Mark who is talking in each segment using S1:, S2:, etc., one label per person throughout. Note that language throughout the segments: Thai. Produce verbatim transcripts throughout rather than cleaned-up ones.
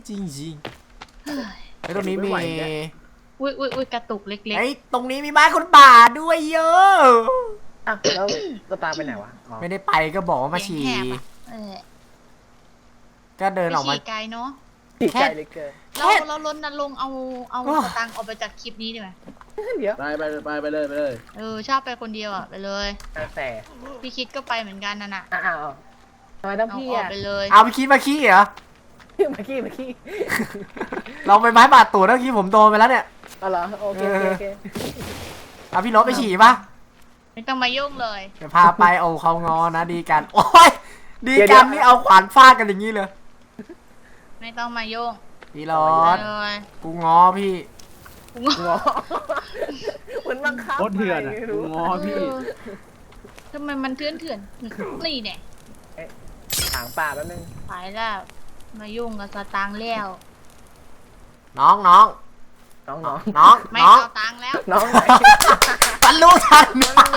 S1: จริงๆไอ้ตรงนี้มี
S2: อุ้ยอุ้ยอุ้ยกระตุกเล็กๆ
S1: ไอ้ตรงนี้มีบ้านคนป่าด้วยเยอะ
S3: อ่ะแล้วตัวตาไปไหนวะ
S1: ไม่ได้ไปก็บอกว่ามาฉี่ก็เดินออกมา
S2: ฉี่ไกลเนาะ
S3: แค่เลยเกิน
S2: เราเราล้นนันลงเอาเอาสตังค์ออกไปจากคลิปนี้ดีไหม
S3: เดี๋ยว
S4: ไปไปไปไปเลยไปเลย
S2: เออชอบไปคนเดียวอ่ะไปเลย
S3: แต่
S2: พี่คิดก็ไปเหมือนกันนั่นน่ะ
S3: อ้าวทำไมต้องพี่อ่ะ
S2: ไปเลย
S1: เอาไปคิดมาขี้เหรอ
S3: มาขี้มาขี้
S1: เราไปไม้บาดตูดเมื่อกี้ผมโดนไปแล้วเนี่ย
S3: อ๋อเหรอโอเคโอเค
S1: เอาพี่รถไปฉี่ปะ
S2: ไม่ต้องมายุ่งเลย
S1: จะพาไปเอาเขางอนะดีกันโอ้ยดีกันนี่เอาขวานฟาดกันอย่างนี้เลย
S2: ไม่ต้องมายุ่ง
S1: พี่รถกูงอพี่
S3: กูงอเหมือนบังคับ
S4: โคตรเถื่อนอ่ะกูงอพี่
S2: ทำไมมันเถื่อนเถื่อนนี่เนี่ย
S3: ถางป่าแป๊บนึง
S2: ไปแล้วมายุ่งกับสตางค์แล้ว
S1: น้องน้อง
S3: น้องน้อง
S1: น้อง
S2: ไม่เอาตังค์แล้ว
S3: น้องไหน
S1: มันรู้ทัน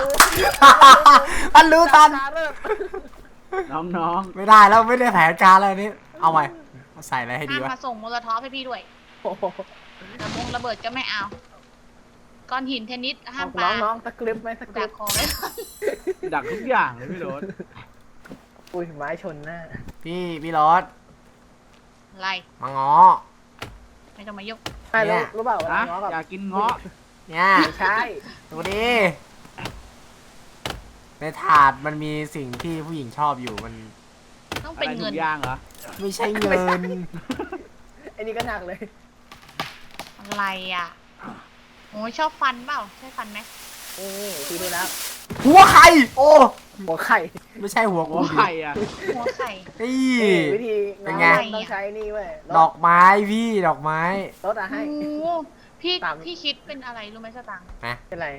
S1: มันรู้ทัน
S4: น้องน้อง
S1: ไม่ได้แล้วไม่ได้แผนการอะไรนี่เอาใหม่ใส่อะไรให้ดีวะ
S2: มาส่งโมโลท็อปให้พี่ด้วยระบงระเบิดก็ไม่เอาก้อนหินเทนนิสห้ามปา
S3: น้องน้องตะกริบไหมตะกริ
S2: บคอไหม
S4: ดักทุกอย่างเลยพี่รถ
S3: อุ้ยไม้ชนหน้า
S1: พี่พี่รถ
S2: อะไร
S1: มาง้อ
S2: ไม่ต้องมายก
S3: ใช่แล้วรู้เปล่าว่าง้อกับ
S4: อยากกินง้อ
S1: เนี่ย
S3: ใช่
S1: ดูดิในถาดมันมีสิ่งที่ผู้หญิงชอบอยู่มัน
S2: ต้องเป็นเงิน
S4: ย่างเหรอ
S1: ไม่ใช่เงิน
S3: ไอ้นี่ก็หนักเลย
S2: อะไรอ่ะโอ้ชอบฟันเปล่าใช่ฟันไหม
S3: โอ้ดูดูแล้ว
S1: หัวไข่โอ้
S3: หัวไข่
S1: ไม่ใช่หัว
S4: หัวไข่อ่ะ
S2: หัวไข่
S1: นี่
S3: วิธี
S1: เป็นไง
S3: ต้องใช้นี่เว้ย
S1: ดอกไม้พี่ดอกไม้
S3: รถอะให้
S2: พี่พี่คิดเป็นอะไรรู้ไหมสตังค์
S3: เป็นไร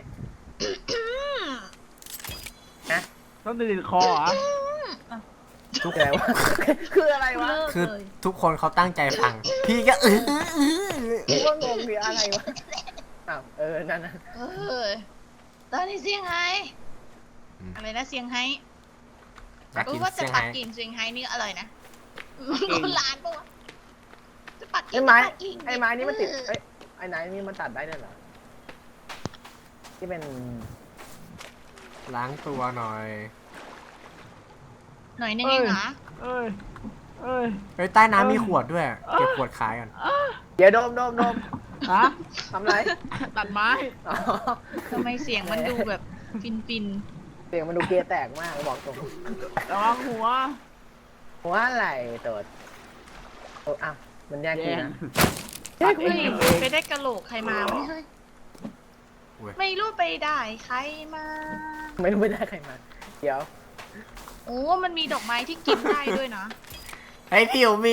S4: นะต้องติดคอเหรอ
S1: ทุก
S3: อะไรวะคืออะไรวะ
S1: คือทุกคนเขาตั้งใจฟังพี่ก็เออ
S3: ว่างงคืออะไรวะอ้าวเออนั่นนะ
S2: เออตอนนี้เซี่ยงไฮ้อะไรนะเซี่ยงไฮ้รู้ว่าจะปักกิ่งเซี่ยงไฮ้นี่อร่อยนะคนร้านปะวะจะปักกิ่ง
S3: ไอ้ไม้ไอ้ไม้นี่มันติดไอ้ไอ้ไหนนี่มันตัดได้ด้วยเหรอที่เป็น
S1: ล้างตัวหน่อย
S2: หน่อยนึงเองเหรอ
S4: เอ้ยเอ้ย
S1: เฮ้ยใต้น้ำมีขวดด้วยเก็บขวดขายกัน
S3: เดี๋ยวโดมโดมโดม
S4: ฮะ
S3: ทำไร
S4: ตัดไม้
S2: ทำไมเสียงมันดูแบบฟินฟิน
S3: เสียงมันดูเกียร์แตกมากบอกตรง
S4: ระวังหัว
S3: หัวไหลตัวโอ้อ้าวมันแยกกันนะ
S2: เฮ้ยไปได้กระโหลกใครมาไม่ใช่ไม่รู้ไปได้ใครมา
S3: ไม่รู้ไปได้ใครมาเดี๋ยว
S2: โอ้มันมีดอกไม้ที่กินได้ด้วยนะ
S1: ไอ้พี่มี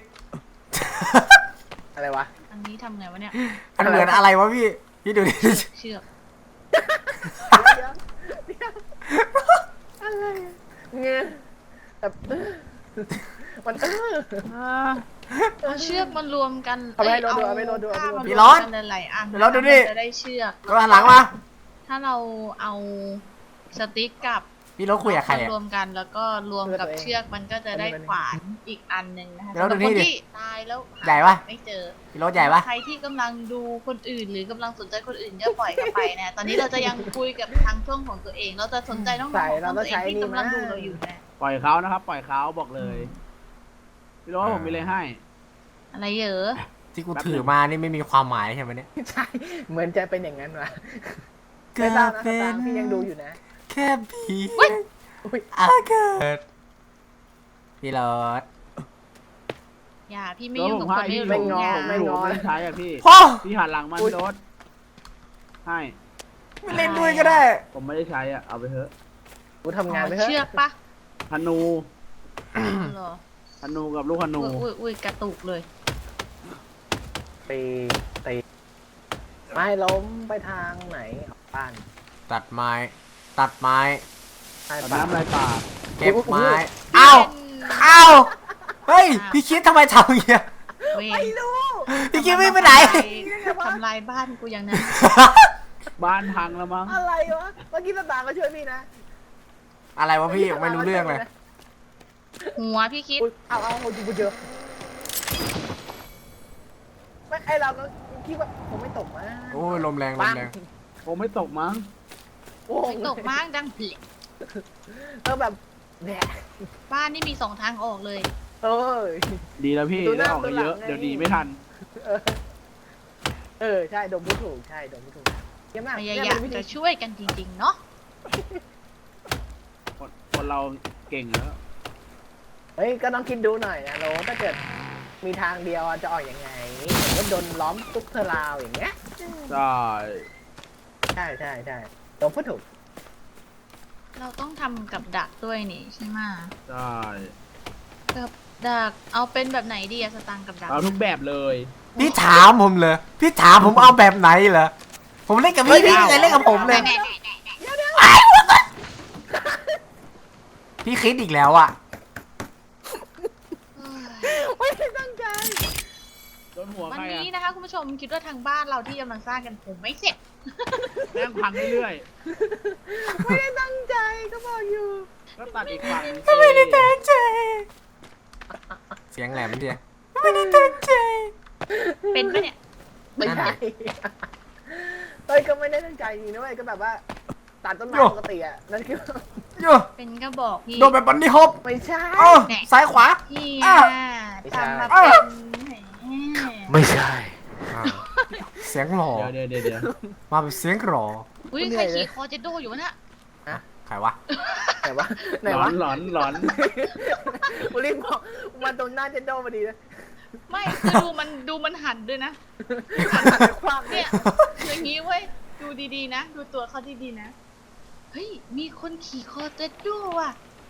S3: อะไรวะ
S2: อันนี้ทำไงวะเนี่ย
S1: อันเหมือนอะไรวะพี่พี่ดูดิ
S2: เชือก
S3: อะไรเงี้ยแบบมัน
S2: เอาเชือกมันรวมกัน
S3: เอาไปรถดูเอาไปรถดู
S1: พี่รถ
S2: หลายอัน
S1: พี่รถดูดิ
S2: จะได้เชือก
S1: ก็หันหลังมา
S2: ถ้าเราเอาสติ๊กกับ
S1: พี่รถคุยกับใคร
S2: รวมกันแล้วก็รวมกับเชือกมันก็จะได้ขวานอีกอันหนึ่งนะคะ
S1: แล้ว
S2: คนที่ตายแล้ว
S1: ใหญ่ปะ
S2: ไม่เจอ
S1: พี่รถใหญ่ปะ
S2: ใครที่กำลังดูคนอื่นหรือกำลังสนใจคนอื่นก็ปล่อยกันไปนะตอนนี้เราจะยังคุยกับทางช่องของตัวเองเราจะสนใจน้องๆของตัวเองที่กำลังดูเราอยู่นะ
S4: ปล่อยเขานะครับปล่อยเขาบอกเลยพี่รถผมมีอะไรให้
S2: อะไรเยอะ
S1: ที่กูถือมานี่ไม่มีความหมายใช่ไหมเนี่ย
S3: ใช่เหมือนจะเป็นอย่างนั้นวะเกิดเป็นพี่ยังดูอยู่นะ
S1: แค่ผีอาเกิดพี่รถ
S2: อย่าพี่ไม่ยุ่งกับคนไม่รู้
S3: ไม่งอ
S4: ไม่งอไม่ใช้อ่ะพี่พี่หันหลังมันรถให้
S1: ไม่เล่นด้วยก็ได้
S4: ผมไม่ได้ใช้อ่ะเอาไปเถอะ
S3: กูทำงานไปเถอะ
S2: เชือกปะ
S4: ธนูธนูกับลูกธนู
S2: อุ้ยอุ้ยกระตุกเลย
S3: ตีตีไม่ล้มไปทางไหนบ้าน
S1: ตัดไม้ตัดไม้
S4: ตัดน้ำลายป่า
S1: เก็บไม้อ้าวอ้าวเฮ้ยพี่คิดทำไมทำอย่างเงี้ย
S3: ไม่รู้
S1: พี่คิดไม่ไปไหน
S2: ทำลายบ้านกูอย่างนั้น
S4: บ้านพังแล้วมั้ง
S3: อะไรวะเมื่อกี้ตาตามาช่วยพี่นะ
S1: อะไรวะพี่ไม่รู้เรื่องเลย
S2: หัวพี่คิด
S3: เอาเอาดูเยอะไอเราก็คิดว่าคงไม่ตกมั้ง
S1: โอ้ยลมแรงลมแรง
S4: ผมไม่ตกมั้ง
S3: โอ้
S2: ไม่ตกมากดังเพลง
S3: เออแบบแหม
S2: บ้านนี่มีสองทางออกเลย
S3: เอ้ย
S4: ดีแล้วพี่
S3: ดูห
S4: ได้
S3: น้า
S4: ออกเยอะ
S3: ดูหลังไง
S4: เดี๋ยวดีไม่ทัน
S3: เออเออใช่ดมผู้ถูกใช่ดมผู้ถูกเยี่ยมมาก
S2: พ
S3: เนี่ย
S2: ยายาม
S3: เป็นวิธี
S2: จะช่วยกันจริงๆเนาะ
S4: คนคนเราเก่งแล้ว
S3: เฮ้ยก็ต้องคิดดูหน่อยนะโรถ้าเกิดมีทางเดียวจะออกยังไงสมมติโดนล้อมตุ๊กเทอราวอย่างเงี้ย
S4: ใช่
S3: ใช่ใช่ใช่ดมผู้ถูก
S2: เราต้องทำกับดักด้วยนี่ใช่ไหม
S4: ใช่
S2: กับดักเอาเป็นแบบไหนดีอะสตางค์กับดัก
S4: เอาทุกแบบเลย
S1: พี่ถามผมเลยพี่ถามผมเอาแบบไหนเหรอผมเล่นกับพี่พี่ไม่เคยเล่นกับผมเลย
S2: แน่ๆๆ
S1: พี่คิดอีกแล้วอ่ะ
S2: ๆเอ้ย
S3: ไม่ได้ตั้งใจ
S4: โดนหัว
S2: วัน
S4: ใคร
S2: นี้
S4: อะ
S2: นะคะคุณผู้ชมคิดว่าทางบ้านเราที่กำลังสร้างกันผมไม่เสร็จ
S4: แม่งพังเรื่อย
S3: ไม่ได้ตั้งใจก็บอกอยู่
S4: ๆก็ตัดอีกฝั่ง
S1: ไม่ได้ตั้งใจเสียงแหลมเดียไม่ได้ตั้งใจ
S2: เป็นปะเนี่ย
S3: ไม่ใช่เฮ้ยก็ไม่ได้ตั้งใจจริงนะเว้ยก็แบบว่าตัดต้นไม้ปกติอ่ะนั่นคือ
S1: โย่
S2: เป็นก็บอกพี่
S1: โดนแบบบันนี่ฮอป
S3: ไม่ใช่
S1: เอ้าซ้ายขวา
S2: พี่
S1: อ้า
S2: อะ
S3: ไม่ใช่
S2: ทำมาเป็นแหม
S3: ไม่ใช่
S1: อ้าวเสียงหล่อ
S4: เดี๋ยวเดี๋ยวเดี๋ยว
S1: มาเป็นเสียงหล่อ
S2: อุ้ยใครขี่คอเจโดอยู่วะเนี่ย
S1: ใครวะ
S3: ไหนวะไหน
S4: หลอ
S3: วะ
S4: นหลอนหลอน
S3: กูรีบบอกมันตรงหน้าเจนโดพอดีเลย
S2: ไม่คือดูมันดูมันหันด้วยนะ
S3: ความ
S2: เนี่
S3: เนี่ย ย
S2: อย่างนี้เว้ยดูดีๆนะ ดูตัวเขาดีๆนะเฮ้ยมีคนขี่คอเจโดว่ะ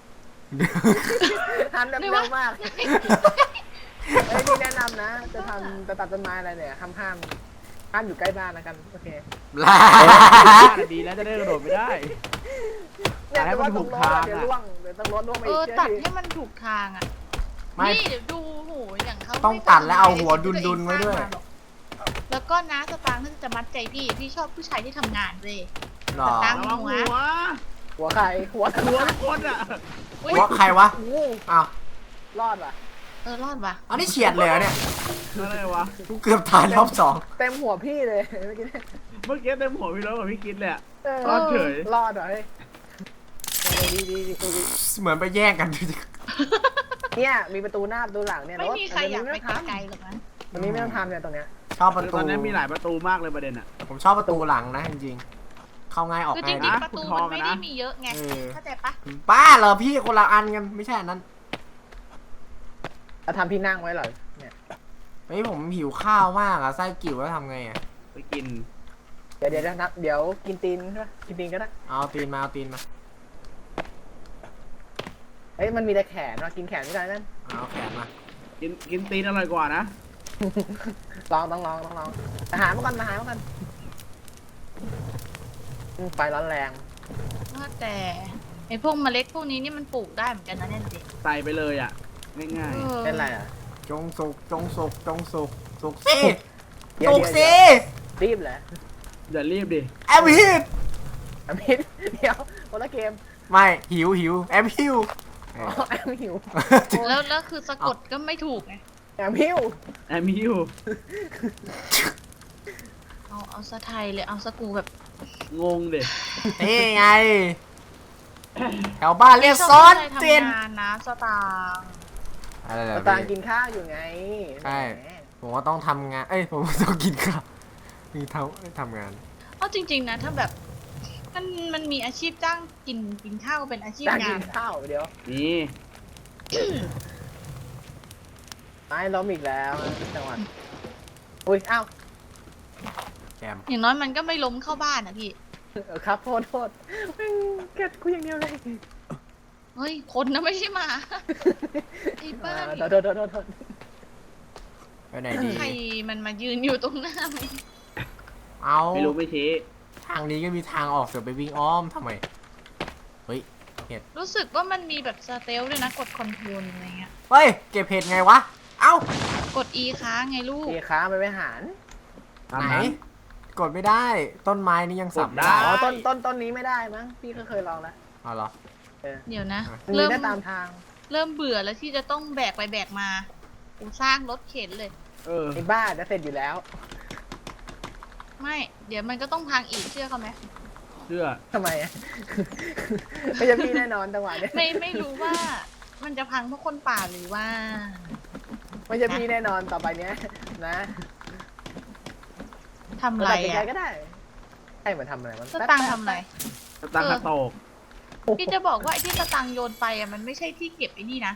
S3: ทันแบบเร็วมากเอ้ยนี่แนะนำนะ จะทำจะตัดต้นไม้อะไรเนี่ยห้ามห้ามห้ามอยู่ใกล้บ้านนะกันโอเค
S1: ลา
S4: ดีแล้วจะได้กระโดดไม่ได้
S3: เนี่ย
S4: ให้
S3: แต่
S4: มั
S3: ว่าน ต
S4: ถู
S3: รง
S4: ก
S3: รถ
S4: ทาง
S3: เดี๋ยว
S4: อะ
S3: ล่วงเดี๋ยวต้องรถล่วงไป
S2: เอ
S3: อี
S2: อก
S3: เชื่อ
S2: ตัด
S3: ดิ
S2: ให้มันถูกทางอ่ะ
S1: ไม่
S2: นี่เดี๋ยวดูโหอย่างเขา
S1: ต้องตัดแล้วเอาหัวดุนๆไว้ด้วย
S2: แล้วก็นะสตางค์ถ้าจะมัดใจพี่พี่ชอบผู้ชายที่ทำงานเว้ย
S1: หรอ
S2: ตัง
S4: ระวังหัว
S3: หัวใครหัว
S4: หัวคนอ่ะ
S2: อุ๊ย
S1: หัวใครวะ
S3: โอ้
S1: อ้าว
S3: รอดว่ะ
S2: เออรอดว่ะ
S1: อันนี้เฉียดเลยเหรอเนี่ย
S4: อะไรวะ
S1: กูเกือบตายรอบสอง
S3: เต็มหัวพี่เลยเมื่อกี้เนี่ย
S4: เมื่อกี้เต็มหัวพี่รถกับพี่คิดเลยอะ
S3: เออ
S4: รอดเฉย
S3: รอดเหรอเฮ้ยเออดีดีดีดีดี
S1: เหมือนไปแย่งกัน
S3: เนี่ยมีประตูหน้าประตูหลังเนี่ย
S2: ไม่มีใครอยากไป
S3: ท
S2: ไกลๆหรอกนะ
S3: ำวันนี้ไม่ต้องทำเนี่ยตรงเนี้ย
S1: ชอบประ
S4: ต
S1: ตู
S4: อนนี้มีหลายประตูมากเลยประเด็นอ่ะ
S1: ผมชอบประตูหลังนะจริงๆ เข้าง่ายออก
S2: คือจ
S1: ง่าย
S2: ริ
S1: ดี
S2: ง
S4: นะ
S2: ๆประตู
S4: คุณทอ
S2: มั
S4: ง
S2: น
S4: อะ
S2: ไม่
S4: นะ
S2: ได้มีเยอะไง
S1: เออ
S2: เข้าใจปะ
S1: ป้าเหรอพี่คนละอันกันไม่ใช่อันนั้น
S3: เราทำที่นั่งไว้เหรอเนี่ย
S1: เฮ้ยผมหิวข้าวมากอะไส้กิ่วแล้วทำไงอะ
S4: ไปกิน
S3: เดี๋ยวเดี๋ยวเดี๋ยวนะเดี๋ยวกินตีนใช่ปะกินตีนก็ได้
S1: เอาตีนมาเอาตีนมา
S3: เอ้ยมันมีแต่แขนว่ะกินแขนไม่ได้นั่น
S1: เอาแขนมา
S4: กินกินตีนอร่อยกว่านะ
S3: ลองต้องลองต้องลองอาหารมาก่อนอาหารมาก่อนอืมไฟร้อนแรง
S2: ว่าแต่ไอพวกเมล็ดพวกนี้นี่มันปลูกได้เหมือนกันนะเนี่ยเด็ก
S4: ใส่ไปเลยอ่ะ ง่าย
S2: เออ
S3: เป็นไรอ่ะ
S1: จงสุกจงสุกจงสุกสุกสิ
S3: เดี๋ยว
S1: สุก
S3: เดี๋ยว
S1: สิ
S3: เดี๋ยวรีบเหรอ
S4: ๆอย่ารีบดิ
S1: แอมฮิว
S3: อมิดเดี๋ยวคนละเกม
S1: ไม่หิวหิวแอมฮิว
S3: อ๋อแอมหิว
S2: แล้วแล้วคือสะกดก็ไม่ถูกไง
S3: แอมหิว
S4: แอมมิว
S2: เอาเอาสะไทยเลยเอาสกูแบบ
S4: งงเด็
S1: นี่ไงแถวบ้านเรียกซอส
S2: เจ
S1: เจน
S2: นทำงานนะสตางค์
S1: อะไรเหรอ
S3: ตาง
S1: พี่
S3: กินข้าวอยู่ไง
S1: ใช่
S3: แหม
S1: ผมว่าต้องทำงาน เอ้ย ผมว่าต้องกินข้าวมีเท่าทำงาน
S2: เอาจริง ๆ นะถ้าแบบมันมันมีอาชีพจ้างกินกินข้าวเป็นอาชีพ
S3: ตาง
S2: งา
S3: กิ
S2: น
S3: นข้าวเดี๋ยว
S4: นี่
S3: ไม้ล้มอีกแล้วจังหวัดอุ้ยอ้าว
S1: แกม
S2: อย่างน้อยมันก็ไม่ล้มเข้าบ้านนะพี่
S3: เออครับโทษโทษแม่งเกลียดกูอย่างเดียวเลย
S2: เฮ้ยคนนะไม่ใช่หมา ไอ้บ้า
S3: อ่าโทษโทษโทษโทษ
S1: ไปไหนดี
S2: ใครมันมายืนอยู่ตรงหน้ามัน
S1: เอา
S4: ไม่รู้ไม่ชี้
S1: ทางนี้ก็มีทางออกเสือไปวิ่งอ้อมทำไม เฮ้ย เห็ด
S2: รู้สึกว่ามันมีแบบสเตลด้วยนะกดคอนโทรลอะไรเงี้ย
S1: เฮ้ย เก็บเห็ดไงวะ เอ้าก
S2: ด E ค้างไงลูก
S3: มีค้าไปไปหาร
S4: ตาม
S1: ไหน
S4: นั้น
S1: กดไม่ได้ ต้นไม้นี่ยังสับ
S4: กด
S1: ไม่
S4: ได้
S1: ได้
S3: อ๋อต้นต้นต้นนี้ไม่ได้มั้งพี่ก็เคยลองแล้ว
S1: เอาเหรอ
S2: เดี๋ยวนะ
S3: มันมี
S2: เริ่ม
S3: ได้ตามทาง
S2: เริ่มเบื่อแล้วที่จะต้องแบกไปแบกมากูสร้างรถเข็นเลย
S4: เออ
S3: ไอ้บ้าจะเสร็จอยู่แล้ว
S2: ไม่ เดี๋ยวมันก็ต้องพังอีกเชื่อเขาไหม
S4: เชื่อ
S3: ทำไมอ่ะ ไม่ใช่พี่แน่นอนจังหวะเนี้ย
S2: ไม่ไม่รู้ว่า มันจะพังเพราะคนป่าหรือว่า
S3: ไม่ใช่พี่แน่นอนต่อไปเนี้ยนะ
S2: ทำอะไร
S3: ตัดสินใจ
S2: อ่ะ
S3: ก็ได้ให้มันทำอะไรมัน
S2: สตังค์ทำอะไร
S4: สตางค์กระโตก
S2: พี่จะบอกว่าไอ้ที่สตังค์โยนไปอ่ะมันไม่ใช่ที่เก็บไอ้นี่นะ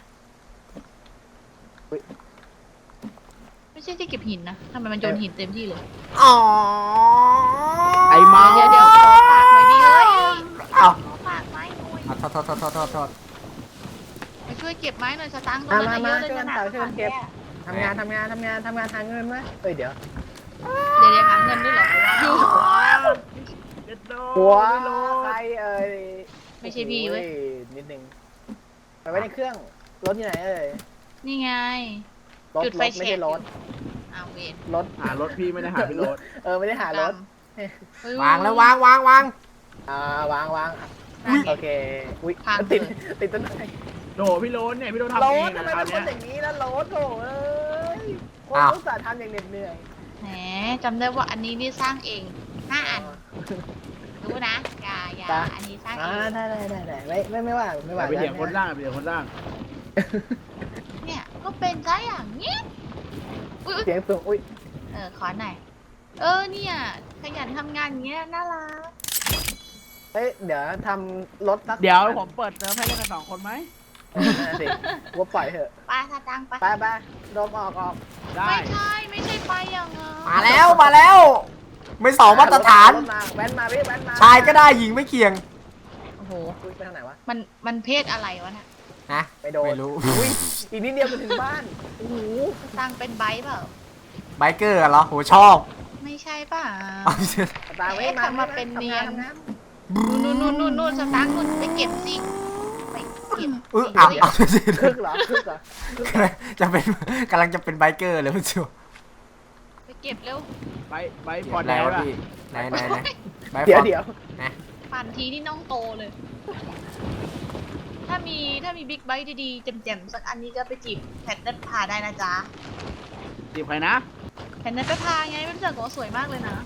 S2: ไม่ใช่ที่เก็บหินนะทำไมมันโยนหินเต็มที่เลย
S1: อ๋อ
S4: ไอ้เมา
S2: เดี๋ยวเดี๋ยวขอปากหน่อยดิเฮ้ย
S1: เอา
S2: ขอปากไม้หน่อย
S1: เอาโทษโทษโทษโทษโทษโทษ
S2: มาช่วยเก็บไม้หน่อยสตังค์ตรงนั้นน่ะเยอะเลยนะ
S3: ทำงานทำงานทำงานทำงานหาเงินไหมเอ้ยเดี๋ยว
S2: เดี๋ยวเดี๋ยวหาเงินด้วยเหรออยู่
S4: เจ็ดโล
S3: หัว
S4: ไม่รู้
S3: ใครเอ่ย
S2: ไม่ใช่พี่เว้ย
S3: โอ้นิดนึงไปไว้ในเครื่องรถที่ไหนเอ่ย
S2: นี่ไง
S3: รถ
S2: จุด
S3: ร
S2: ไฟ
S3: ถไม่
S2: แช็
S3: ใช่
S2: ก
S3: รถ
S2: อ้าวเวร
S3: รถ
S4: หารถพี่ไม่ได้หาพี่รถ
S3: เออไม่ได้หารถ
S2: เฮ้ย
S1: วางแล้ววางวางวาง
S3: อ่าวางวาง
S2: นั่นไง
S3: โอเคอุ้ย
S2: พัง
S3: ติด
S2: เลย
S3: ติดต้นไม้
S4: โดพี่โรถเนี่ยพี่โรถทำ
S3: ร
S4: เอ
S3: ถ
S4: ง
S3: ทำ
S4: นะ
S3: ไม
S4: คราว
S3: เป็นค
S4: เนี้ย
S3: นอย่างนี้แล้วรถโถ่เอ้ยคนรู้สาห์ทำอย่างเหน็ดเหนื่อย
S2: แหมจำได้ว่าอันนี้นี่สร้างเองห้าอันรู้นะอย่าอย่าอันนี้สร้างเอ
S3: อ่าง ได้ได้ได้ได้ไม่ไม่ไม่ว่าไม่ว่า
S4: ไปเถียงคนร่างไปเถียงคนร่าง
S2: เนี่ยก็เป็นซะอย่างนี้อุ้ยอุ๊ย
S3: เสียงสูงอุ้ย
S2: เออขอหน่อยเออเนี่ยขยันทำงานอย่างเงี้ยน่ารัก
S3: เอ้ยเดี๋ยวทำรถสัก
S4: เดี๋ยวผมเปิดเติมให้เล่นกันสองคนไหม
S3: นั่นสิว่าปล่อยเถอะ
S2: ไปสตังค์ไป
S3: ไปไปโดมออกออก
S4: ได้
S2: ไม่ใช่ไม่ใช่ไปอย่างงั้น
S1: มาแล้วมาแล้ว ไม่สองมาตรฐาน
S3: รถมาแว้นมาพี่แว้นมา
S1: ชายก็ได้หญิงไม่เกี่ยง
S2: โอ้โห
S3: อุ้ยไปทางไหนวะ
S2: มันมันเพศอะไรวะน่ะ
S1: นะ
S3: ไปโดน
S1: ไม่รู้
S3: อุ้ยอีกนิดเดียวจะถึงบ้านโอ้โห
S2: สตังค์เป็นไบค์เปล่า
S1: ไบเกอร์เหรอโหชอบ
S2: ไม่ใช่เปล่า
S1: เอา
S3: ตามไว้
S2: เอ๊ะ
S3: มา
S2: ทำมาเป็นเนียน
S3: ทำงาทำงา
S2: นู่นนู่นนู่นนู่นสตางค์นู่นไปเก็บสิไปเก็บ
S1: เออเอาเอา
S3: คึกเหรอคึกเหรอคึกเหรอ
S1: จะเป็นกำลังจะเป็นไบเกอร์เลยพี่ชิว
S2: ไปเก็บเร็ว
S4: ไปไปปอด
S1: ไหน
S4: แล้ว
S1: วะ
S4: ล่ะ
S1: พี่ไหนไหนไหนไบ
S3: เดี๋ยว
S1: ฟอร์
S3: เดี๋ยว
S2: ปั่นทีนี่น้องโตเลย ถ้ามีถ้ามีบิ๊กไบค์ดีๆแจ่มๆสักอันนี้ก็ไปจีบแพทนัทพาได้นะจ๊ะ
S4: จีบใครนะ
S2: แพทนัทพาไงไม่รู้จักก็สวยมากเลยนะ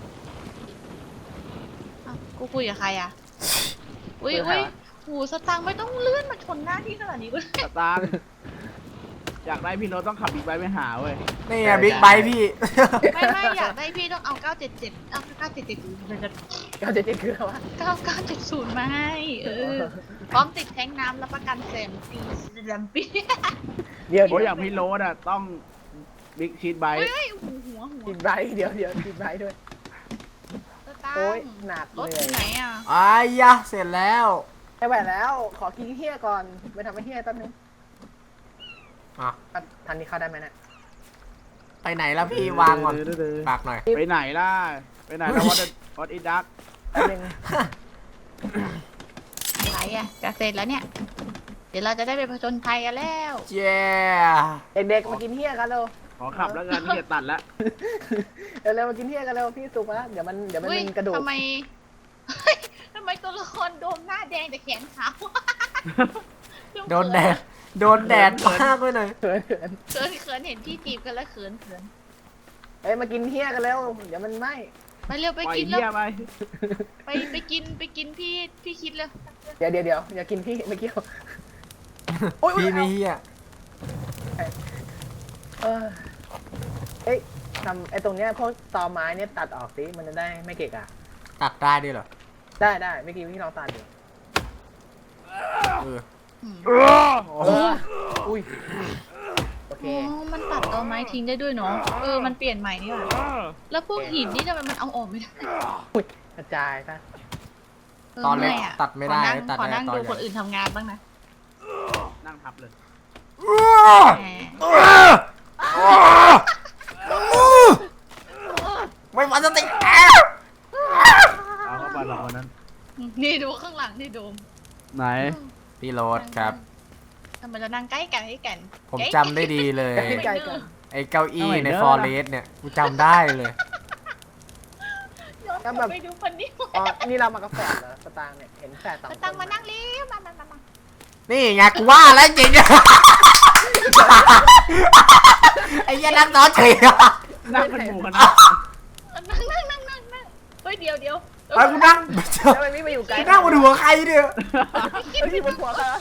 S2: อ้าวกูคุยกับใครอ่ะอุ้ยอุ้ยหูสตังค์ไม่ต้องเลื่อนมาชนหน้าที่ขนาดนี้ก็ได้
S4: สตางค์อยากได้พี่โรถต้องขับบิ๊กไบค์ไปหาเว้ย
S1: นี่ไงบิ๊กไบพี่
S2: ไม่ไม่อยากได้พี่ต้องเอาเก้าเจ็ดเจ็ดเอาเก้าเจ็ดเจ็ด
S3: เขาจะจะคืออะไรวะ
S2: เก้าเก้าเจ็ดศูนย์มาให้เออพร้อมติดแท้งน้ำและประกันแสนปีแสนปี
S3: เดี๋ยว
S4: โอ้ยอ
S3: เดี๋ยว
S4: ย่างพี่โรถอ่ะต้องบิ๊กชีทไบค์
S2: เฮ้ยหัวหัวหัว
S3: กินไบร์ทเดี๋ยวเดี๋ยวกินไบร์ทด้วย
S2: สตาง
S3: โอ้ย
S2: ค์
S3: หนัก
S2: รถ
S3: เห
S2: อ
S3: นื่อย
S2: ยู่ไหนอ่ะ
S1: อายะเสร็จแล้ว
S3: ไม่ไหวแล้ว ขอกินเฮียก่อนไปทำให้เฮียแป๊บนึง
S1: อ่ะ
S3: ทันนี้เข้าได้ไหมเนี่ย
S1: ไปไหนแล้วพี่วางก่อนฝากหน่อย
S4: ไปไหนล่ะ ไปไหนแล้ววัดวัดอิดัก
S3: แป๊บนึง
S2: อะไรอ่ะจะเสร็จแล้วเนี่ย เดี๋ยวเราจะได้ไปผจญภัยกันแล้ว
S1: เย้
S3: เด็กๆมากินเฮียกันเร็ว
S4: ขอขับแล้วกันพี่จะตัดแล้ว
S3: เร็วๆมากินเฮียกันเร็วพี่สุกมาแล้วเดี๋ยวมันเดี๋ยวมัน
S2: เฮ้ย
S3: เป็นกระดูก
S2: ทำไมเฮ้ยทำไมตัวละครโดนหน้าแดงแต่แขนขาว
S1: โดนแดดโดนแดดมากไปหน่อย
S3: เขินเขิน
S2: เขินเขินเห็นพี่จีบกันแล้วเขินเขิน
S3: เอ้ยมากินเฮียกันเร็วเดี๋ยวมันไหม้
S2: ไปเร็วไป
S4: ปล่อย
S2: กินแล้
S4: เหี้ยว ไป
S2: ไปไปกินไปกินพี่พี่คิดเลย
S3: เดี๋ยวเดี๋ยวเดี๋ยวอย่ากินพี่ไม่เกี่ยว
S1: พี่ไม่เฮีย
S3: เออเอ้ยทำไอ้ตรงเนี้ยพวกตอไม้เนี่ยตัดออกสิมันจะได้ไม่เกะกะ
S1: ตัดได้ด้วยเหรอ
S3: ได้ได้เมื่อกี้พี่ลองตัดอยู่
S1: เออ
S2: อืม
S4: เออ
S3: เอออุ้ยโอเค
S2: อ๋อมันตัดตอไม้ทิ้งได้ด้วยเนาะเออมันเปลี่ยนใหม่นี่หว่าแล้วพวกหินนี่ทำไมมันเอาออกไม่ได้
S3: อุ้ยกระจายซะ
S1: ตอนเล็ก
S2: มื่ยะ
S1: ตัดไม่ได้
S2: ขอนั่ง
S1: ตัด
S2: ขอ
S1: ได้
S2: นั่ง
S1: ตอน
S2: ดู
S1: ใหญ่
S2: คนอื่นทำงานบ้างนะ
S4: นั่งทับเลย
S2: แหม
S1: ไม่มาสติ
S4: เอาเข้าไปหรอกวันนั้น
S2: นี่ดูข้างหลังนี่ดู
S4: ไหน
S1: พี่โรดครับ
S2: ทำไมเรานั่งใกล้กันให้กัน
S1: ผมจำได้ดีเลย
S3: ใกล้ๆกัน
S1: ไอ้เก้าอี้ในฟอเรสเนี่ยกูจำได้เลย
S2: ย้อนกลับไปดูคนนี้
S3: อ๋อนี่เรามากาแฟเหรอสตางค์เนี่ยเห็นแฝดสองคน
S2: ตังมานั่งเร็วมามามามา
S1: นี่ไงกูว่าแล้วจริง ไอ้เหี้ยนั่งซ้อนเฉย
S4: นั่งเป็นหมู่คณะ
S2: นั่งนั่งนั่งนั่งนั่งเฮ้ยเดี๋ยวเดี๋ยว
S1: ไอ้กูนั่ง
S3: แล้วมันไม่มาอยู่ไกล
S1: กูนั่งบนหัวใครเนี่ย
S3: เฮ้ยที่บนหัวเขา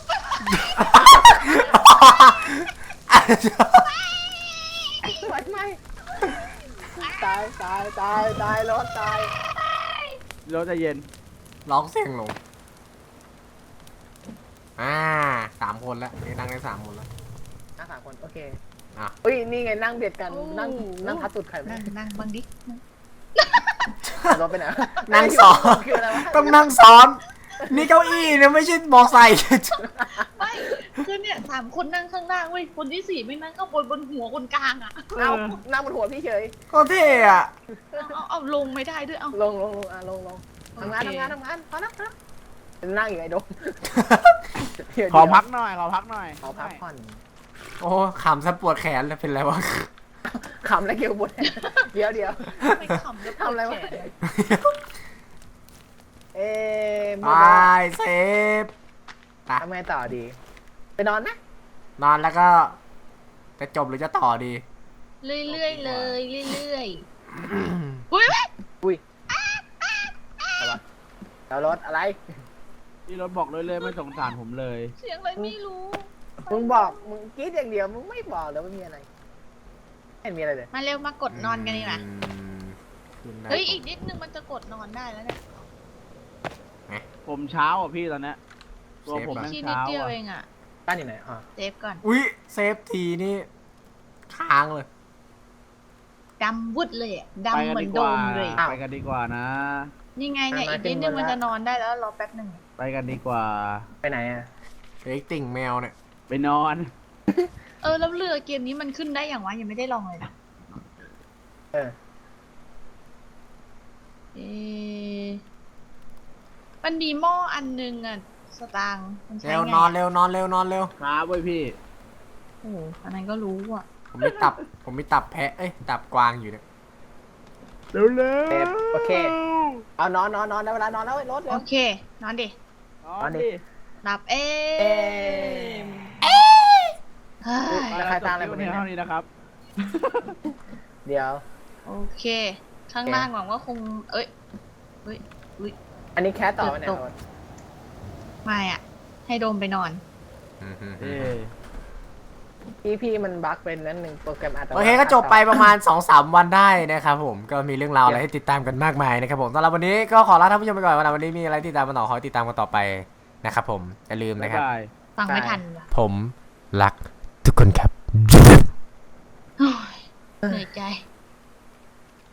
S3: ไม่ไม่ตายตายตายตายรถตาย
S4: รถจะเย็น
S1: ร้องเสียงลงอ่าสามคนแล้วนี่นั่งได้สามคนแล้ว
S3: นั่งสามคนโอเค
S1: อ่ะ
S3: เฮ้ยนี่ไงนั่งเบียดกันนั่งนั่งทัดสุดใครไป
S2: นั่งนั่งบังดิ
S3: รถไปไหน
S1: นั่งซ้อน
S3: คืออะไรวะ
S1: ต้องนั่งซ้อน นี่เก้าอี้เนี่ยไม่ใช่มอไซค์
S2: ไม่คือเนี่ยสามคนนั่งข้างล่างเว้ยคนที่สี่ไม่นั่งข้างบนบนหัวคนกลางอ่ะ
S3: เอานั่งบนหัวพี่เฉย
S1: ก็เท่อะ
S2: เอาเอาเอาลงไม่ได้ด้วยเอา
S3: ลงลงลงอ่ะลงลงทำงานทำงานทำงานพอแล้วครับนั่งอยู่ไอ้ดม
S4: ขอพักหน่อยขอพักหน่อย
S3: ขอพักผ่อน
S1: โอ้ขำซะปวดแขนเลยเป็นไรวะ
S3: ขำแล้วเกี่ยวบนเดี๋ยวเดี๋ยว
S2: ไม่ขำแล้ว
S3: ทำอะไรวะ
S2: แขน
S3: เอ๊ะ
S1: ไปเซฟไป
S3: ทำไงต่อดี ไปนอนนะ
S1: นอนแล้วก็จะจบหรือจะต่อดี
S2: เรื่อยๆเลยเรื่อยๆอุ้ย
S3: อุ้ยอะไรวะแล้วรถอะไร
S4: ที่รถบอกเลยเลยไม่สงสารผมเลย
S2: เสียงอะไรไม่รู้
S3: มึงบอกมึงกรี๊ดอย่างเดียวมึงไม่บอกเลยว่ามีอะไรไม่เห็นมีอะไรเลย
S2: มาเร็วมากดนอนกันดีกว่า
S1: อืมขึ้นได้
S2: เฮ้ยอีกนิดนึงมันจะกดนอนได้แล้วเนี่ย
S4: ผมเช้าอ่ะพี่ตอนเนี้ยตัวผมแม่ง
S2: ที่นิด
S4: เช้า
S2: เดียว
S4: อ่ะ
S2: เองอ่ะ
S3: บ้านอยู่ไหนอ๋อ
S2: เซฟก่อน
S1: อุ้ยเซฟทีนี่ค้างเลย
S2: ดำวุดเลยอะ
S4: ไป
S2: ดำ
S4: กัน
S2: เหมือ
S4: ดี
S2: น
S4: ก
S2: โด
S4: ว่าม
S2: เลย
S4: ไปกันดีกว่านะ
S2: นี่ไงเนี่ยอีกนิดนึงมันจะนอนได้แล้วรอแป๊บหนึ่ง
S4: ไปกันดีกว่า
S3: ไปไหนอ่ะ
S1: เอ็กติ่งแมวเนี่ย
S4: ไปนอน
S2: เออแล้วเรือเกมนี้มันขึ้นได้อย่างวะยังไม่ได้ลองเลยนะ
S3: เออ
S2: เออมันมีหม้ออันนึงอ่ะสตางค์มันใช้
S1: เร็ว
S2: ไง
S1: นอนเร็วนอนเร็วนอนเร็ว
S4: ครับเว้ยพี่
S2: โอ้โหอันนั้นก็รู้อ่ะ
S1: ผมมีตับ ผมมีตับแพะเอ้ยตับกวางอยู่เนี่ย
S4: เร็วเร็ว
S3: เซฟโอเค เอานอนนอนนอนได้เวลานอนแล้วไอ้รถเร็
S2: โอ
S3: ว
S2: เค นอนดิ
S4: นอนดิ
S2: หลับเอ
S3: เอ๊
S2: ง
S3: ะ
S2: เฮ้ย
S3: แล้วใครตามอะไร
S4: จ
S3: มา
S4: บ
S3: เนี่ย
S4: เท่านี้นะครับ
S3: เดี๋ยว
S2: โอเค ข้างล่างหวังว่าคง เอ้ยเฮ้ยอุ้ย
S3: อันนี้แคสต่อไปไหน
S2: ตก
S3: รถ
S2: ไม่อ่ะ ให้โดมไปนอน
S1: อืม
S4: เอ้ย
S3: พี่พี่มันบั๊กเป็นนั้นหนึ่งโปรแกรมอัตโนมัติ
S1: โอเคก็จบไปประมาณ สองสาม วันได้นะครับผมก็มีเรื่องราวอะไรให้ติดตามกันมากมายนะครับผมสำหรับวันนี้ก็ขอลาท่านผู้ชมไปก่อนวันนี้มีอะไรติดตามกันต่อขอให้ติดตามกันต่อไปนะครับผมอย่าลืม
S4: บ๊า
S1: นะ
S4: ย
S1: ครับ
S4: บาย
S2: ฟังไม่ทันว่ะ
S1: ผมรักทุกคนครับ
S2: โอ้ยเหนื่อยใจ